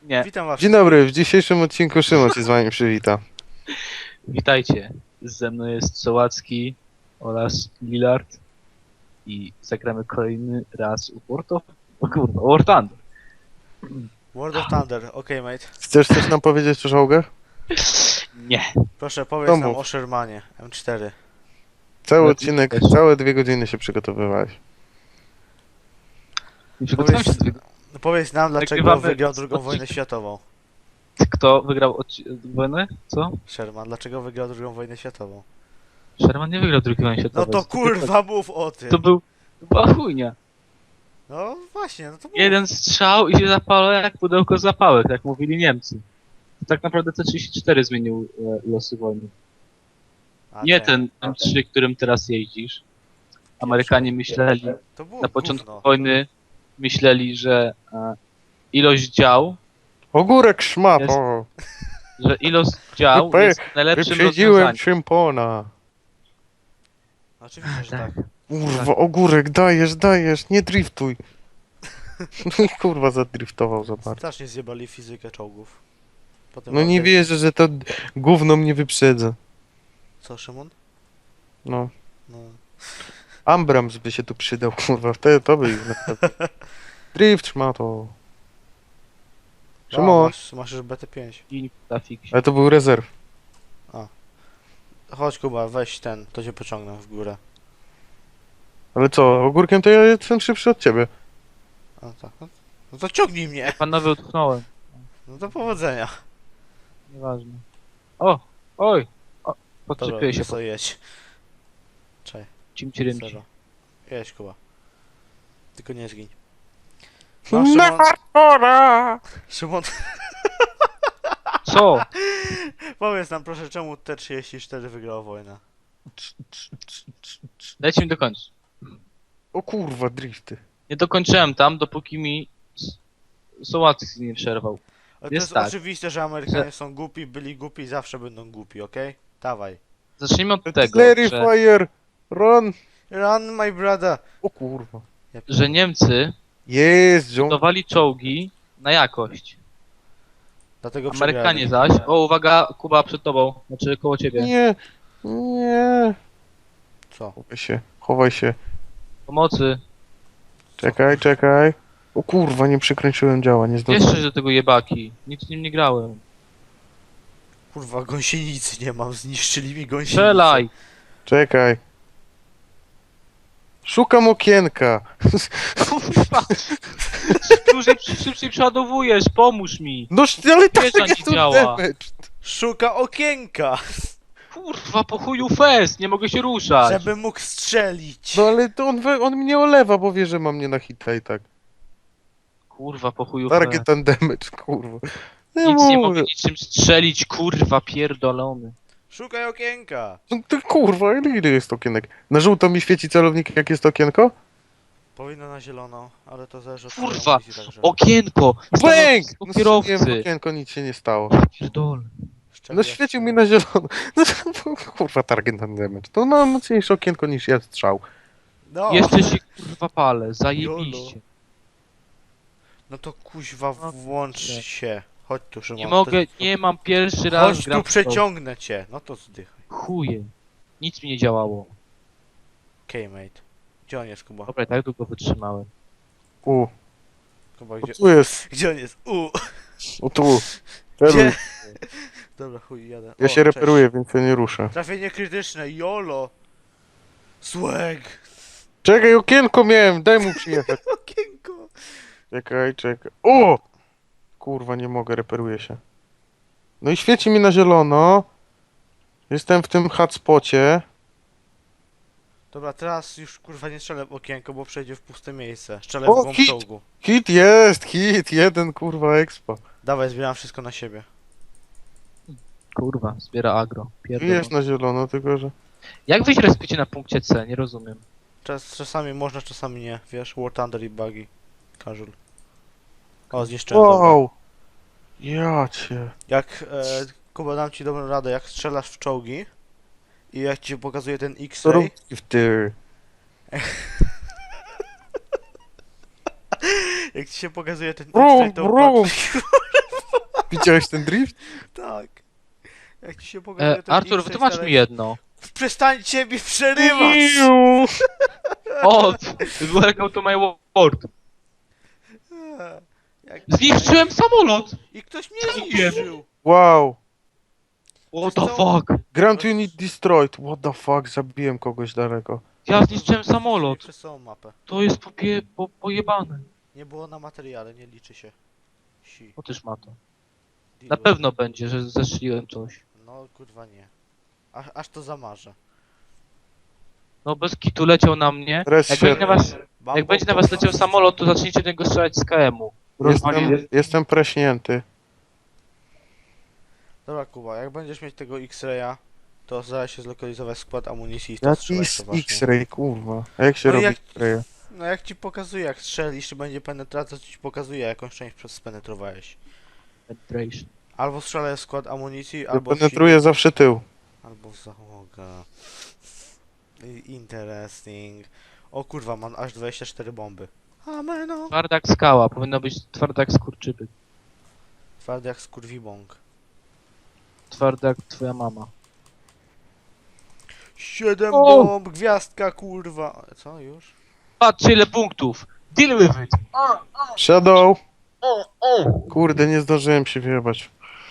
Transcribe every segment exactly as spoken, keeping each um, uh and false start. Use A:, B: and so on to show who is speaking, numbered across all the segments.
A: Nie.
B: Witam was.
C: Dzień dobry, w dzisiejszym odcinku Szymon się z wami przywita.
A: Witajcie. Ze mną jest Sołacki oraz Lillard i zagramy kolejny raz u World of... O kurwa, War Thunder.
B: World of Thunder, okej mate.
C: Chcesz coś nam powiedzieć o czołgach?
A: Nie.
B: Proszę powiedz
C: To
B: nam
C: mów.
B: o Shermanie M cztery.
C: Cały
A: Ale
C: odcinek,
A: też.
C: całe dwie godziny się przygotowywałeś.
A: Nie przygotowałem się do tego.
B: No powiedz nam, dlaczego
A: Nagrywamy
B: wygrał drugą
A: odcinek.
B: wojnę światową.
A: Kto wygrał odci- wojnę? Co?
B: Sherman, dlaczego wygrał drugą wojnę światową?
A: Sherman nie wygrał drugiej wojny
B: No
A: światowej.
B: to kurwa mów o tym.
A: To był... To była chujnia.
B: No właśnie, no to mów.
A: Jeden strzał i się zapalał jak pudełko zapałek, jak mówili Niemcy. Tak naprawdę C trzydzieści cztery zmienił e, losy wojny.
B: A
A: Nie ten M trzy, którym teraz jeździsz. Amerykanie myśleli,
B: To było
A: na początku
B: gówno.
A: wojny myśleli, że e, ilość dział,
C: Ogórek szmat,
A: Jest-
C: o!
A: że ilość dział
C: Wype-
A: jest najlepszym
C: Wyprzedziłem
A: rozwiązaniem.
C: szympona.
B: Oczywiście, że
A: Tak.
B: tak.
C: Kurwa, ogórek, dajesz, dajesz, nie driftuj. No i kurwa zadriftował za bardzo.
B: Strasznie zjebali fizykę czołgów. Potem
C: No nie
B: odejść-
C: wierzę, że to gówno mnie wyprzedza.
B: Co, Szymon?
C: No.
B: No.
C: Ambrams by się tu przydał, kurwa, wtedy to by ich naprawdę... Drift szmato.
B: O,
C: Szymon,
B: masz, masz już B T pięć.
A: I na fiksie.
C: ale to był rezerw.
B: Chodź Kuba, weź ten, to cię pociągnę w górę.
C: Ale co, ogórkiem to ja jestem szybszy od ciebie.
B: A tak. No, no to ciągnij mnie.
A: Panowie utknąłem.
B: No to powodzenia.
A: Nieważne. O! Oj! O,
B: Dobra,
A: podczepiłem się
B: się
A: po
B: co jedź. Czekaj,
A: cimci rymci.
B: zero. Jedź Kuba. Tylko nie zgiń. No,
C: Na
B: Szymon,
C: hardcora!
B: Szymon,
A: Co?
B: powiedz nam proszę, czemu T trzydzieści cztery wygrała wojnę?
A: Dajcie mi dokończyć.
C: O kurwa, drifty.
A: Nie dokończyłem tam, dopóki mi S- Sołacki nie przerwał.
B: Ale to
A: Jest
B: jest
A: tak,
B: oczywiste, że Amerykanie są głupi, byli głupi i zawsze będą głupi, okej? Dawaj.
A: Zacznijmy od tego,
C: Artillery
A: że,
C: fire! Run!
B: Run, my brother!
C: O kurwa.
B: Ja
A: że Niemcy
C: Jest, John.
A: budowali czołgi na jakość.
B: Dlatego
A: Amerykanie
B: przegrali.
A: zaś... O, uwaga, Kuba przed tobą, znaczy koło ciebie.
C: Nie, nie.
B: Co?
C: Chowaj się, chowaj się.
A: Pomocy.
C: Czekaj, czekaj. O kurwa, nie przykręciłem działa, nie zdążyłem.
A: Jeszcze do tego jebaki. Nic z nim nie grałem.
B: Kurwa, gąsienicy nie mam, zniszczyli mi gąsienicę.
A: Strzelaj!
C: Czekaj. Szukam okienka.
A: Kurwa! Szybciej, szybciej przeładowujesz, pomóż mi!
C: No ale tak
A: Wiesza nie
C: jest to
A: działa.
C: damage.
B: Szuka okienka,
A: Kurwa, po chuju fest, nie mogę się ruszać.
B: żeby mógł strzelić.
C: No ale to on, we- on mnie olewa, bo wie, że ma mnie na hita i tak.
A: Kurwa, po chuju fest.
C: Target and damage, kurwa. Nie
A: Nic nie
C: mogę.
A: mogę niczym strzelić, kurwa, pierdolony.
B: Szukaj okienka.
C: No to kurwa, ile ile jest okienek? Na żółto mi świeci celownik, jak jest okienko?
B: Powinno na zielono, ale to zależy od
A: Kurwa,
B: twojej amunicji także.
A: Okienko!
C: Bang!
A: Stanowisko
C: No strzeliłem w
A: kierowcy!
C: okienko, nic się nie stało.
A: Pierdol.
B: Szczerze,
C: No świecił mi na zielono. No to, kurwa, target and damage. To ma mocniejsze okienko niż ja strzał.
B: No,
A: Jeszcze się kurwa palę, zajebiście.
B: no to kuźwa włącz się. Chodź tu Szymon.
A: Nie
B: to-
A: mogę, nie mam pierwszy raz
B: Chodź
A: gram
B: tu
A: w to.
B: przeciągnę cię. No to zdychaj.
A: Chuje. Nic mi nie działało.
B: Okej, mate. Gdzie on jest, Kuba?
A: Dobra, i tak długo wytrzymałem.
C: U,
B: Kuba,
C: o
B: gdzie...
C: tu jest.
B: Gdzie on jest? U.
C: O tu. Celuj.
B: Gdzie? Dobra, chuj, jadę.
C: Ja
B: O,
C: się
B: cześć.
C: reperuję, więc ja nie ruszę.
B: Trafienie krytyczne, jolo. Swag.
C: Czekaj, okienko miałem, daj mu przyjechać.
B: Okienko.
C: Czekaj, czekaj. O! Kurwa, nie mogę, reperuję się. No i świeci mi na zielono. Jestem w tym hotspocie.
B: Dobra, teraz już kurwa nie strzelę w okienko, bo przejdzie w puste miejsce. Strzelę
C: O,
B: w głąb
C: hit!
B: czołgu.
C: Hit jest, hit, jeden kurwa expo.
B: Dawaj, zbieram wszystko na siebie.
A: Kurwa, zbiera agro. Pierdol.
C: Jest na zielono, tylko że...
A: Jak wyjść respicie na punkcie C? Nie rozumiem.
B: Czas, czasami można, czasami nie. Wiesz, War Thunder i Buggy. Casual. O, zniszczyłem. Dobra.
C: Wow! Ja cię.
B: Jak, e, Kuba, dam ci dobrą radę, jak strzelasz w czołgi i jak ci się pokazuje ten
C: Co
B: X-ray,
C: robisz w ty?
B: jak ci się pokazuje ten
C: Brum,
B: X-ray, to
C: brum.
B: patrz,
C: Widziałeś ten drift?
B: Tak. Jak ci się pokazuje
A: E,
B: ten
A: Artur,
B: X,
A: wytłumacz
B: to
A: mi jedno.
B: Przestańcie mi przerywać!
C: Iu.
A: O, welcome to my world.
B: Eee, Jak...
A: Zniszczyłem samolot!
B: I ktoś mnie
A: Nie.
B: zniszczył!
C: Wow.
A: What
B: Wiesz
A: the
B: co?
A: fuck?
C: Grand Unit destroyed. What the fuck, zabiłem kogoś daleko.
A: Ja zniszczyłem samolot.
B: Przez całą mapę.
A: To jest popie, po, pojebane.
B: Nie było na materiale, nie liczy się. Si.
A: O też ma to.
B: Deal
A: Na
B: with
A: pewno
B: it.
A: będzie, że zeszliłem coś.
B: No kurwa nie. Aż, aż to zamarzę.
A: No bez kitu leciał na mnie.
C: Res
A: Jak
C: się-
A: będzie na was,
B: Bam,
A: jak
B: bam,
A: będzie na
B: bam,
A: was
B: bam.
A: leciał samolot, to zacznijcie do niego strzelać z K M-u.
C: Jestem, jestem preśnięty.
B: Dobra Kuba, jak będziesz mieć tego X-raya, to zaraz się zlokalizować skład amunicji i to
C: Jaki
B: strzelać
C: jest
B: poważnie.
C: X-ray, kurwa. A jak się
B: No
C: robi
B: jak-
C: X-raya?
B: No jak ci pokazuje, jak strzelisz, czy będzie penetracja, to ci pokazuje, jakąś część przez spenetrowałeś.
A: Penetration.
B: Albo strzelaj w skład amunicji,
C: Ja
B: albo w
C: penetruję zawsze tył.
B: silnik, albo w załogę. I- Interesting. O kurwa, mam aż dwadzieścia cztery bomby. Ameno.
A: Twarda jak skała, powinno być twarda jak skurczybyk.
B: Twardy jak skurwibąk.
A: Twarda jak twoja mama.
B: Siedem
A: O!
B: bomb, gwiazdka kurwa. Co, już?
A: Patrzcie ile punktów! Deal with it!
C: Shadow! Kurde, nie zdążyłem się wyjebać.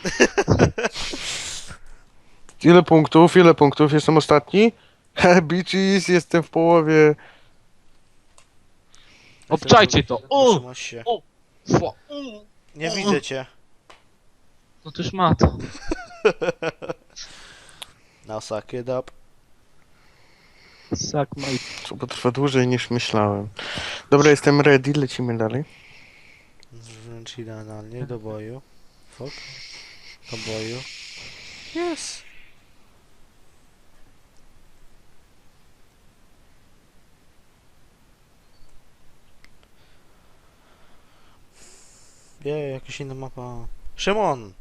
C: Ile punktów? Ile punktów? Jestem ostatni? Bitches, jestem w połowie.
A: Obczajcie to! O!
B: Trzymasz się.
A: Fua.
B: Nie widzę cię.
A: No też ma to.
B: Now suck it up.
A: Suck my...
C: To potrwa dłużej niż myślałem. Dobra, jestem ready, lecimy dalej.
B: Wręcz idealnie do boju. Fuck. Do boju. Yes. Nie, jakaś inna mapa. Szymon!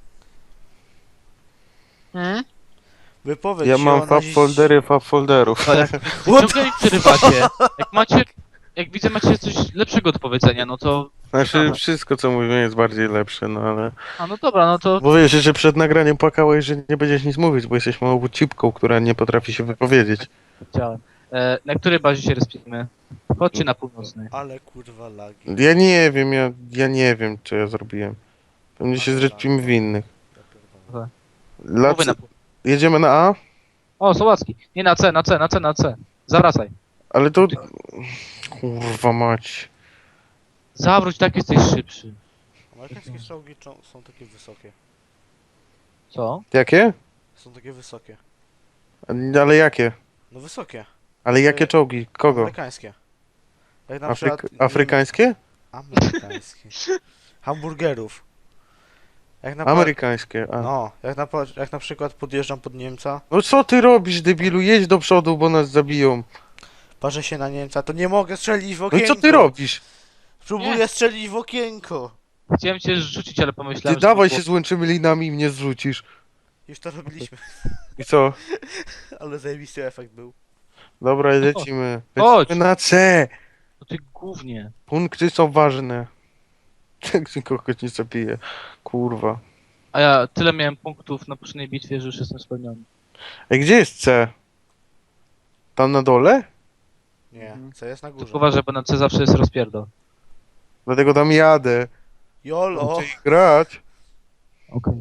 A: Hmm?
B: Wypowiedź
C: Ja
B: się
C: mam
B: o
C: fab
B: naziś-
C: foldery, fab folderów.
A: To jak... Ciągle mi przerywacie. Jak macie... Jak widzę macie coś lepszego do powiedzenia, no to...
C: Znaczy, wszystko co mówię jest bardziej lepsze, no ale...
A: A no dobra, no to...
C: Bo wiesz, że przed nagraniem płakałeś, że nie będziesz nic mówić, bo jesteś małą cipką, która nie potrafi się wypowiedzieć.
A: Chciałem. E, na której bazie się respimy? Chodźcie na północnej.
B: Ale kurwa lagi.
C: Ja nie wiem, ja, ja nie wiem, co ja zrobiłem. Pewnie się
B: Ale
C: zresztimy w innych.
B: Ja pierdolę.
A: Mówię
C: Lacy...
A: na pół...
C: Jedziemy na A?
A: O, Słowacki. Nie na C, na C, na C, na C. Zawracaj.
C: Ale to... Kurwa mać.
A: Zawróć, tak jesteś szybszy.
B: Amerykańskie czołgi czo- są takie wysokie.
A: Co?
C: Jakie?
B: Są takie wysokie.
C: Ale jakie?
B: No wysokie.
C: Ale jakie czołgi? Kogo?
B: Amerykańskie. Jak na
C: Afryk...
B: przykład...
C: Afrykańskie?
B: Amerykańskie. Hamburgerów. Jak na, pa-
C: Amerykańskie. A.
B: no, jak, na, pa- jak na przykład podjeżdżam pod Niemca,
C: No co ty robisz, debilu? Jedź do przodu, bo nas zabiją.
B: parzę się na Niemca, to nie mogę strzelić w
C: No
B: okienko.
C: i co ty robisz?
B: Próbuję
A: Nie.
B: strzelić w okienko.
A: Chciałem cię rzucić, ale
C: Ty
A: pomyślałem, że...
C: dawaj
A: to
C: się
A: było-
C: złączymy linami i mnie zrzucisz.
B: Już to robiliśmy,
C: I co?
B: ale zajebisty efekt był.
C: Dobra, lecimy.
A: Chodź.
C: Lecimy na C.
A: No ty głównie.
C: Punkty są ważne. Tak nikogo nie zabije. Kurwa.
A: A ja tyle miałem punktów na poprzedniej bitwie, że już jestem spełniony.
C: Ej, gdzie jest C? Tam na dole?
B: Nie,
A: Mhm.
B: co jest na
A: Tylko
B: górze.
A: uważaj, bo na C zawsze jest rozpierdol.
C: Dlatego tam jadę.
B: Jolo!
C: Chcę ich grać.
A: Okej.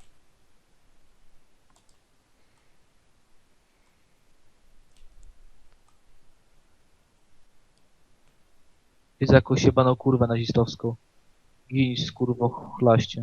A: Widzę jakąś jebaną kurwę nazistowską. Gin z kurwo chlaście.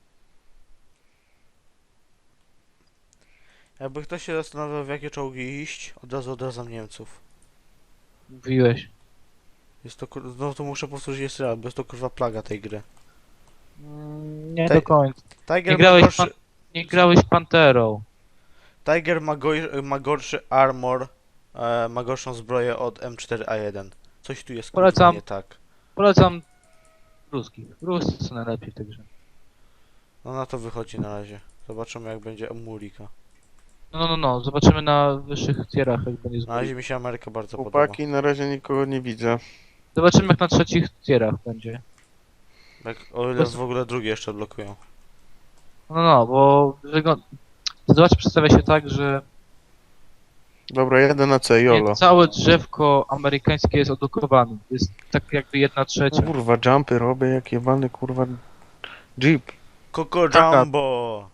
B: Jakby ktoś się zastanawiał, w jakie czołgi iść, od razu odradzam Niemców.
A: Mówiłeś.
B: Jest to kur... No to muszę powtórzyć jeszcze raz, bo jest to kurwa plaga tej gry.
A: Mm, Nie
B: Tej-
A: do końca.
B: Tiger
A: Nie
B: ma
A: grałeś,
B: gorszy...
A: pan... nie grałeś Panterą.
B: Tiger ma, goj... ma gorszy armor, e, ma gorszą zbroję od M cztery A jeden. Coś tu jest kurwa
A: Polecam.
B: nie tak.
A: Polecam ruskich. Ruscy są najlepiej w tej grze.
B: No na to wychodzi na razie. Zobaczymy jak będzie Murika.
A: No, no, no, no. Zobaczymy na wyższych tierach, jak będzie
B: Na razie
A: zbój.
B: mi się Ameryka bardzo podoba.
C: Chłopaki, na razie nikogo nie widzę.
A: Zobaczymy, jak na trzecich tierach będzie.
B: Jak, o ile w ogóle drugie jeszcze odblokują.
A: No, no, bo wygląda... Sytuacja przedstawia się tak, że
C: Dobra, jadę na C,
A: nie,
C: jolo.
A: całe drzewko amerykańskie jest odblokowane. Jest tak jakby jedna trzecia.
C: Kurwa, jumpy robię jak jebany, kurwa, jeep.
B: Coco
A: Taka-
B: Jumbo!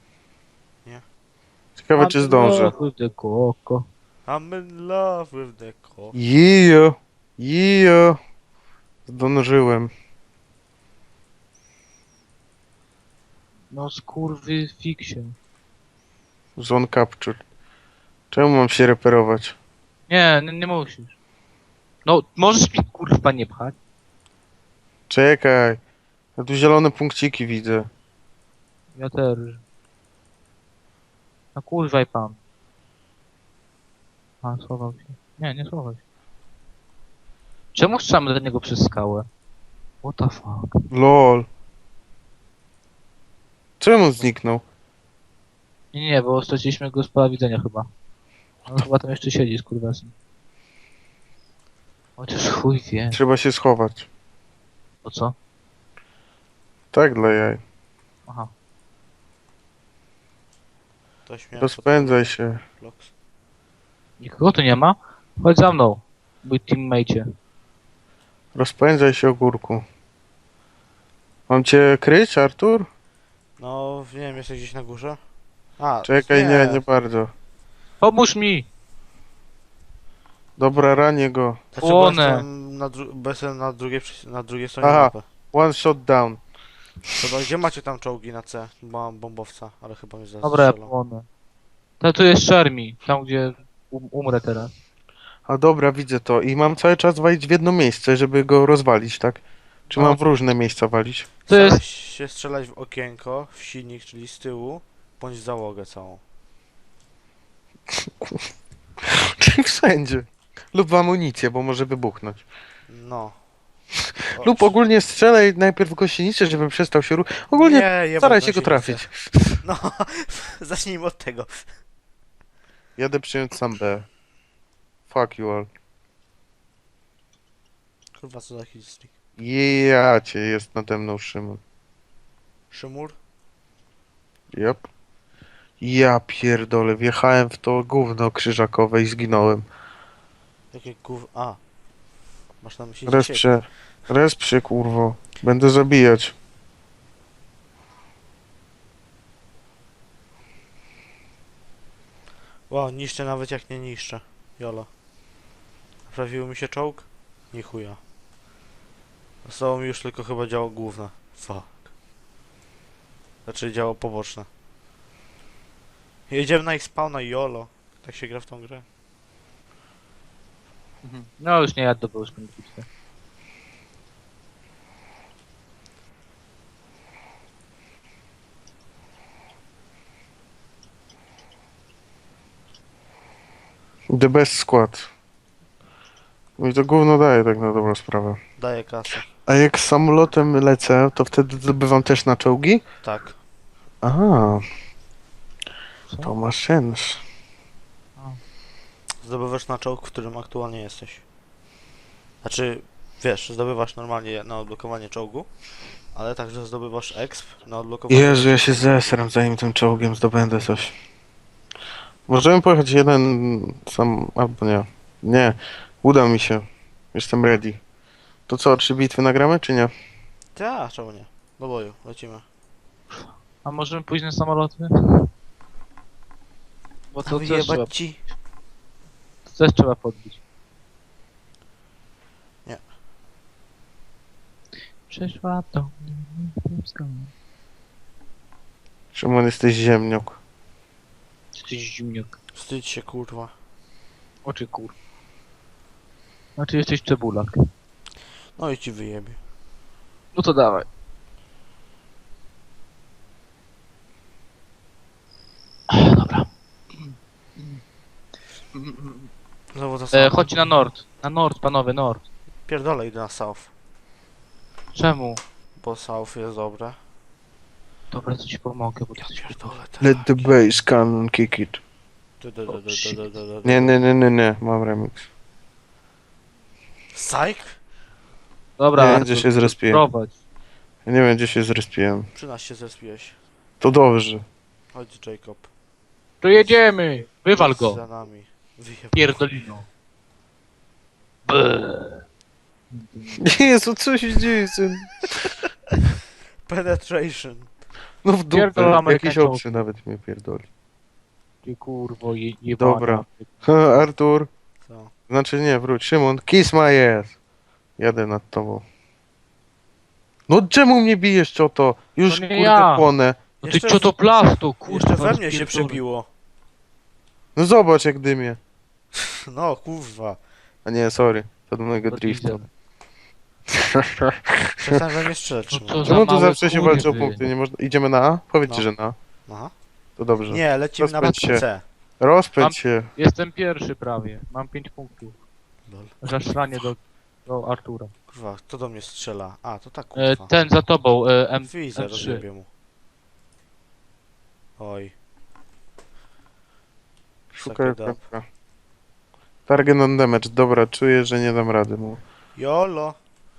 C: Ciekawe, czy zdążę.
A: Koko.
B: I'm in love with the co.
C: Jijo, jijo. Zdążyłem.
A: No skurwy fiksie.
C: Zone capture. Czemu mam się reperować?
A: Nie, nie, nie musisz. No, możesz mi kurwa nie pchać.
C: Czekaj. Ja tu zielone punkciki widzę.
A: Ja też. No kurwaj pan. A, schował się. Nie, nie schował się. Czemu strzelamy do niego przez skałę? What the fuck?
C: Lol. Czemu zniknął?
A: Nie, nie, bo straciliśmy go z pola widzenia chyba. On chyba tam jeszcze siedzi, skurwasem. Chociaż chuj wie.
C: Trzeba się schować.
A: O co?
C: Tak dla jaj.
A: Aha.
B: Ktoś mnie
C: Rozpędzaj się.
B: Vlogs.
A: Nikogo tu nie ma? Chodź za mną, mój teammate.
C: Rozpędzaj się, ogórku. Mam cię kryć, Artur?
B: No, nie wiem, jesteś gdzieś na górze? A,
C: Czekaj, nie, nie bardzo.
A: Pomóż mi!
C: Dobra, ranię go.
B: Znaczy, bo
A: Płonę.
B: jestem na, dru- bo jestem na drugiej, przy- na drugiej stronie
C: Aha.
B: mapy.
C: One shot down.
B: Dobra, gdzie macie tam czołgi na C? Bo mam bombowca, ale chyba mnie zaraz
A: Dobra, ja
B: strzelą.
A: płonę. To tu jest Shermi, tam gdzie um, umrę teraz.
C: A dobra, widzę to. I mam cały czas walić w jedno miejsce, żeby go rozwalić, tak? Czy
A: No.
C: mam w różne miejsca walić?
A: To
B: Staraj
A: jest...
B: się strzelać w okienko, w silnik, czyli z tyłu, bądź załogę całą.
C: Czyli wszędzie. Lub w amunicję, bo może wybuchnąć.
B: No. O,
C: Lub ogólnie strzelaj najpierw w gościnicy, żeby przestał się ruszać. Ogólnie
B: nie, jebać
C: staraj się go
B: gąsienicę.
C: trafić.
B: No, zacznijmy od tego.
C: Jadę przyjąć sam B. Fuck you all.
B: Kurwa, co za hitstreak.
C: Ja cię, jest nade mną Szymon.
B: Szymur?
C: Yep. Ja pierdolę, wjechałem w to gówno krzyżakowe i zginąłem.
B: Jakie gów... A. Masz na myśli ciebie.
C: Respsie, respsie kurwo. Będę zabijać.
B: Wow, niszczę nawet jak nie niszczę. Jolo. Naprawił mi się czołg? Nie chuja. Zostało mi już tylko chyba działo główne. Fuck. Znaczy działo poboczne. Jedziemy na ich spawna jolo. Tak się gra w tą grę.
A: No już nie jadę, bo już będę bitwy.
C: The best skład. No i to gówno daje tak na dobrą sprawę.
B: Daję kasę.
C: A jak z samolotem lecę, to wtedy zdobywam też na czołgi?
B: Tak.
C: Aha,
A: Co?
C: to ma sens.
B: Zdobywasz na czołg, w którym aktualnie jesteś. Znaczy, wiesz, zdobywasz normalnie na odblokowanie czołgu, ale także zdobywasz exp na odblokowanie...
C: Jezu, ja się zesram, zanim tym czołgiem zdobędę coś. Możemy pojechać jeden sam, albo nie. Nie, uda mi się. Jestem ready. To co, trzy bitwy nagramy, czy nie?
B: Tak, czemu nie? Do boju, lecimy.
A: A możemy pójść na samoloty? Bo to też trzeba,
B: Wyjebać ci.
A: to też trzeba podbić.
B: Nie.
A: Przeszła do mnie Polska.
C: Szymon, jesteś ziemniok.
A: Jesteś zimniak.
B: Wstydź się, kurwa.
A: Oczy kur. Znaczy jesteś cebulak.
B: No i ci wyjebie.
A: No to dawaj. Dobra.
B: Znowu to
A: E,
B: samo.
A: chodź na nord. Na nord, panowie, nord.
B: Pierdolę, idę na south.
A: Czemu?
B: Bo south jest dobre.
A: Dobra, to ci pomogę, bo ty
B: Ja
A: jesteś
B: pierdolę, tak.
C: Let the bass cannon kick it.
B: Du- du- du- du-
A: shit.
B: du- du- du- du-
C: Nie, nie, nie, nie, nie, mam remix.
B: Psych?
A: Dobra,
C: Nie wiem,
A: Artur,
C: gdzie się zrespiłem.
A: prowadź.
C: Ja nie wiem, gdzie się zrespiłem.
B: Przy nas się zespiłeś.
C: To dobrze.
B: Chodź, Jacob.
A: To jedziemy! Wywal go!
B: Za nami. Wyjeb...
A: Pierdolino. Brrr.
C: Jezu, co się dzieje z tym?
B: Penetration.
C: No w dupę,
A: Pierdol
C: jakiś
A: Amerykańczyków.
C: obcy nawet mnie pierdoli.
A: Ty kurwo je, jebana.
C: Dobra. Ha, Artur,
B: Co?
C: znaczy nie, wróć. Szymon, kiss my ass. Jadę nad tobą. No czemu mnie bijesz, cioto? Już
A: To nie
C: kurde
A: ja.
C: płonę.
A: No ty
B: Jeszcze
A: co to plasto, kurwa.
B: Jeszcze we mnie się
A: rozpierdolę.
B: przebiło.
C: No zobacz jak dymie.
B: No, kurwa.
C: A nie, sorry. To do mojego
A: To
C: driftu.
A: diesel.
B: Przestań we mnie strzelać,
A: No
B: Szymon.
A: co za
C: Czemu tu
A: małe
C: zawsze się walczy o
A: kurwy.
C: punkty? Nie można... Idziemy na A? Powiedzcie,
B: No.
C: że na.
B: Aha.
C: To dobrze.
B: Nie, lecimy na
C: Rozpędź
B: mapę
C: się.
B: C.
C: Rozpędź
A: Mam-
C: się.
A: Jestem pierwszy prawie. Mam pięć punktów.
B: Lol.
A: Zaszranie do, do Artura.
B: Kurwa, kto do mnie strzela? A, to tak,
A: E,
B: kurwa.
A: ten za tobą, e, M,
B: Widzę,
A: M trzy.
B: rozjebię mu. Oj.
C: Szukaj
B: Suck it up.
C: kropka. Target on damage. Dobra, czuję, że nie dam rady mu.
B: Jolo.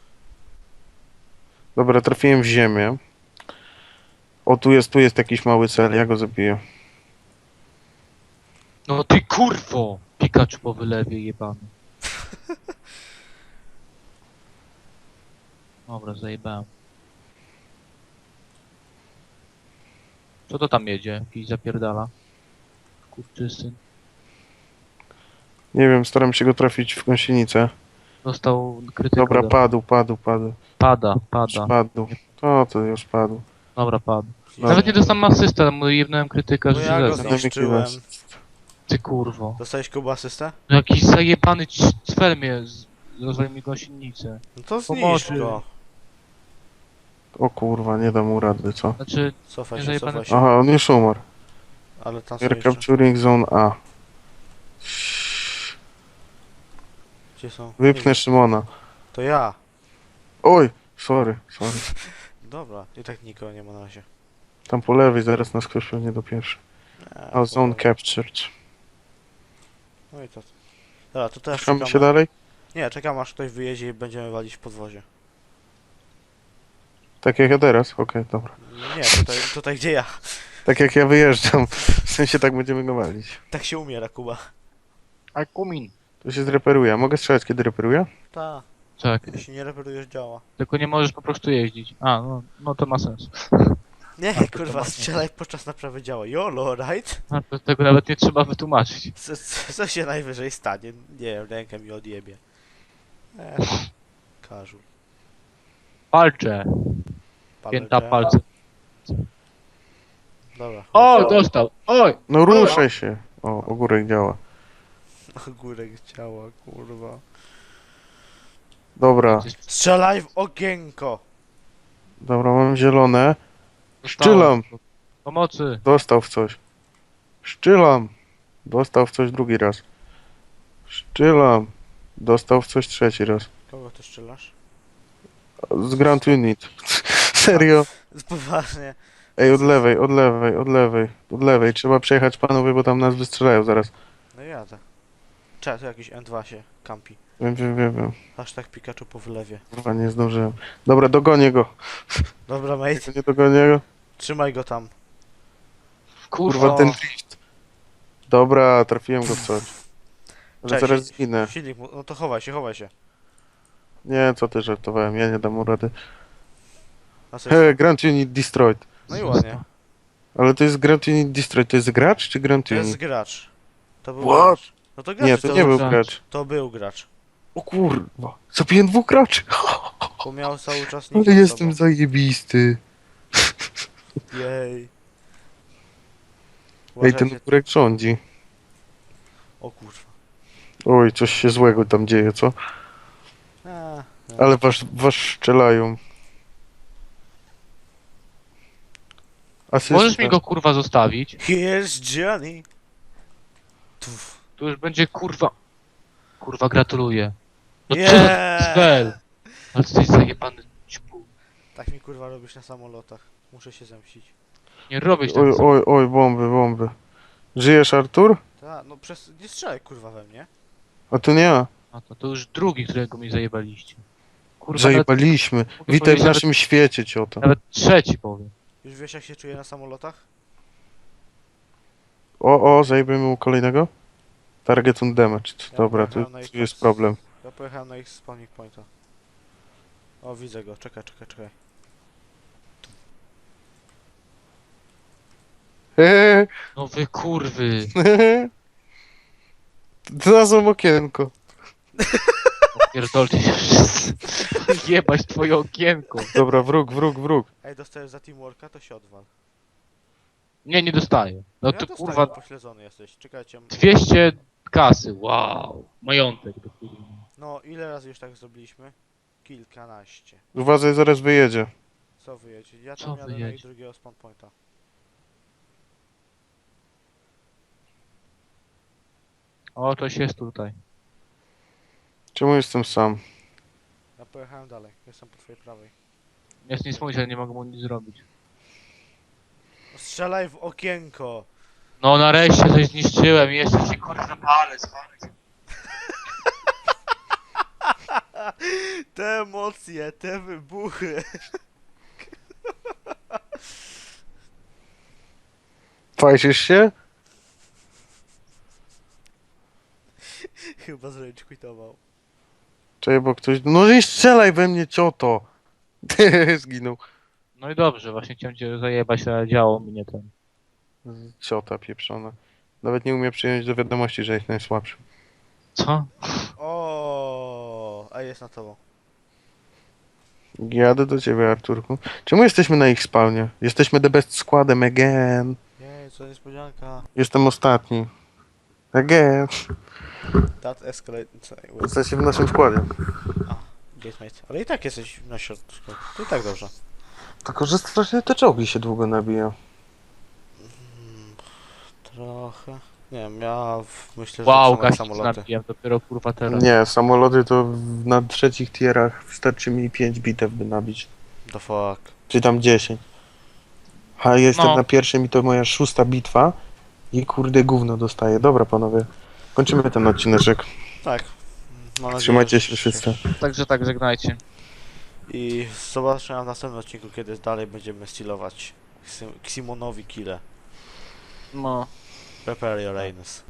C: Dobra, trafiłem w ziemię. O, tu jest, tu jest jakiś mały cel, ja go zabiję.
A: No ty kurwo! Pikachu po wylewie jebany. Dobra, zajebałem. Co to tam jedzie? Jakiś zapierdala? Kurczysyn.
C: Nie wiem, staram się go trafić w gąsienicę.
A: Dostał krytykę.
C: Dobra,
A: do-
C: padł, padł, padł.
A: Pada,
C: Już
A: pada.
C: padł. To, to już padł.
A: Dobra, padł.
C: No.
A: Nawet nie dostałem asystę, mu jebnąłem krytykę,
B: Bo
A: że
B: ja go
A: źle.
B: znam. zniszczyłem.
A: Ty kurwo.
B: Dostałeś Kuba asystę?
A: No jakiś zajebany c- cfel mnie z- rozwalił mi gąsienicę.
B: No to zniszcz
A: Pomocy.
B: go.
C: O kurwa, nie dam mu rady, co?
A: Znaczy,
B: Cofaj
A: Nie
B: się,
A: zajebane-
B: cofaj się.
C: Aha, on już umarł.
B: Ale tam są
C: We're
B: jeszcze.
C: capturing zone A.
B: Gdzie są?
C: Wypnę
B: Nie,
C: Szymona.
B: to ja.
C: Oj, sorry, sorry.
B: Dobra, i tak nikogo nie ma na razie.
C: Tam po lewej zaraz nas ktoś pewnie do pierwszy.
B: Nie,
C: A zone
B: dobra.
C: captured.
B: No i to. Dobra, to teraz
C: Szukamy się
B: czekamy.
C: dalej?
B: Nie, czekam aż ktoś wyjedzie i będziemy walić w podwozie.
C: Tak jak ja teraz? Okej, dobra.
B: Nie, tutaj, tutaj gdzie ja.
C: Tak jak ja wyjeżdżam. W sensie tak będziemy go walić.
B: Tak się umiera, Kuba.
A: Akumin.
C: To się zreperuje. A mogę strzelać kiedy reperuję?
B: Ta,
A: Tak,
B: jeśli nie reperujesz działa.
A: tylko nie możesz po prostu jeździć. A, no, no to ma sens.
B: Nie,
A: A, to
B: kurwa,
A: ma-
B: strzelaj podczas naprawy działa. Jolo, right?
A: A, to tego nawet nie trzeba wytłumaczyć.
B: Co, co, co się najwyżej stanie? Nie wiem, rękę mi odjebie. Eee, każu.
A: Palcze. Pięta
B: Palę
A: palce.
B: Dobra.
A: O, dostał! Oj!
C: No ruszaj się. O, ogórek działa.
B: Ogórek ciała, kurwa.
C: Dobra,
B: Strzelaj w okienko!
C: dobra, mam zielone.
A: Dostałem.
C: Szczylam.
A: Pomocy!
C: Dostał w coś. Szczylam. Dostał w coś drugi raz. Szczylam. Dostał w coś trzeci raz.
B: Kogo ty strzelasz?
C: Z Grand Unit. Serio?
B: Poważnie.
C: Ej, od lewej, od lewej, od lewej, od lewej. Trzeba przejechać panowie, bo tam nas wystrzelają zaraz.
B: No jadę. Czekaj, tu jakiś N dwa się kampi.
C: Wiem, wiem, wiem, wiem.
B: Hashtag Pikachu po wylewie.
C: Kurwa, nie zdążyłem. Dobra, dogonię go.
B: Dobra, mate.
C: Jak nie dogonię go.
B: Trzymaj go tam.
C: Kurwa,
A: Kurwa,
C: ten drift. Dobra, trafiłem go w coś. Ale
B: Cześć.
C: zaraz zginę.
B: Silnik mu... No to chowaj się, chowaj się.
C: Nie, co ty żartowałem, ja nie dam mu rady.
B: Na coś...
C: He, Grand Unit Destroyed.
B: No i ładnie.
C: Ale to jest Grand Unit Destroyed, to jest gracz czy Grand
B: To jest
C: Unit?
B: gracz. To był
C: What?
B: gracz. No to gracz.
C: Nie, to nie był
A: gracz.
C: gracz.
B: To był gracz.
C: O kurwa, zabiłem dwóch graczy.
B: Bo miał cały czas
C: Ale
B: nikt nad
C: jestem
B: sobą.
C: zajebisty.
B: Jej.
C: Ej, ten
B: Uważajcie.
C: ogórek rządzi.
B: O kurwa.
C: Oj, coś się złego tam dzieje, co?
B: A, no.
C: Ale was, was strzelają. Asysta.
A: możesz mi go kurwa zostawić?
B: Here's Johnny. Tuf.
A: Tu już będzie kurwa... Kurwa, gratuluję. No co
B: Yeah!
A: za cel? Ale ty jesteś zajebany ćpu.
B: Tak mi kurwa robisz na samolotach. Muszę się zemścić.
A: Nie robisz tak.
C: Oj, oj, oj, bomby, bomby. Żyjesz, Artur?
B: Ta, no przez... Nie strzelaj kurwa we mnie.
C: A to nie ja.
A: A to, to już drugi, którego mi zajebaliście. Kurwa,
C: Zajebaliśmy.
A: Mogę
C: Witaj w
A: powiedzieć,
C: naszym świecie, cioto.
A: nawet, nawet trzeci powiem.
B: Już wiesz jak się czuję na samolotach?
C: O, o, zajmiemy mu kolejnego. Target on damage.
B: Ja
C: Dobra, tu,
B: pojechałem na ich
C: tu jest
B: pas-
C: problem.
B: Ja pojechałem na ich spawning pointa. O, widzę go, czekaj, czekaj, czekaj.
C: Hehe,
A: No wy kurwy.
C: hehe. Znalazłem okienko.
A: Pierdolcie się wszyscy. Jebać twoje okienko.
C: Dobra, wróg, wróg, wróg.
B: Ej, dostajesz za teamworka, to się odwal.
A: Nie, nie dostaję. No
B: ja
A: to
B: dostaję,
A: kurwa
B: pośledzony jesteś, czekajcie.
A: dwieście kasy, wow. Majątek do kurwa.
B: No, ile razy już tak zrobiliśmy? Kilkanaście.
C: Uważaj, zaraz wyjedzie.
B: Co wyjedzie? Ja
A: Co
B: tam jadę na ich
A: wyjedzie?
B: drugiego spawn pointa.
A: O, coś jest tutaj.
C: Czemu jestem sam?
B: Ja pojechałem dalej, jestem po twojej prawej.
A: Jest nic mówić, ale nie mogę mu nic zrobić.
B: No, strzelaj w okienko!
A: No nareszcie coś zniszczyłem i jeszcze się kurwa palec, palec.
B: Te emocje, te wybuchy.
C: Fajczysz się?
B: Chyba z rage quitował.
C: Czekaj, bo ktoś... No nie strzelaj we mnie, cioto! Zginął.
A: No i dobrze, właśnie chciałem cię zajebać, ale działo mnie ten.
C: Ciota pieprzona. Nawet nie umie przyjąć do wiadomości, że jest najsłabszy.
A: Co?
B: O, a jest na tobą.
C: Jadę do ciebie, Arturku. Czemu jesteśmy na ich spawnie? Jesteśmy the best składem again.
B: Jej, co niespodzianka.
C: Jestem ostatni. Again.
B: That escalate... co-
C: W sensie w naszym składzie.
B: Gatemate. Ale i tak jesteś na środku. To i tak dobrze.
C: Tylko, że strasznie te czołgi się długo nabija.
B: Mm, trochę. Nie wiem, ja w, myślę, że
A: Wow,
B: to są jak
A: gaści
B: samoloty.
A: nabiłem dopiero kurwa teraz.
C: Nie, samoloty to w- na trzecich tierach wystarczy mi pięć bitew by nabić.
B: The fuck.
C: Czy tam dziesięć. A jestem
A: No.
C: na pierwszym i to moja szósta bitwa. I kurde gówno dostaję. Dobra panowie. Kończymy ten odcineczek.
B: Tak. Mam nadzieję,
C: Trzymajcie
B: że-
C: się wszyscy.
A: Także tak, żegnajcie.
B: I zobaczymy w następnym odcinku, kiedy dalej będziemy stylować Ximonowi kile.
A: No.
B: Prepare your anus.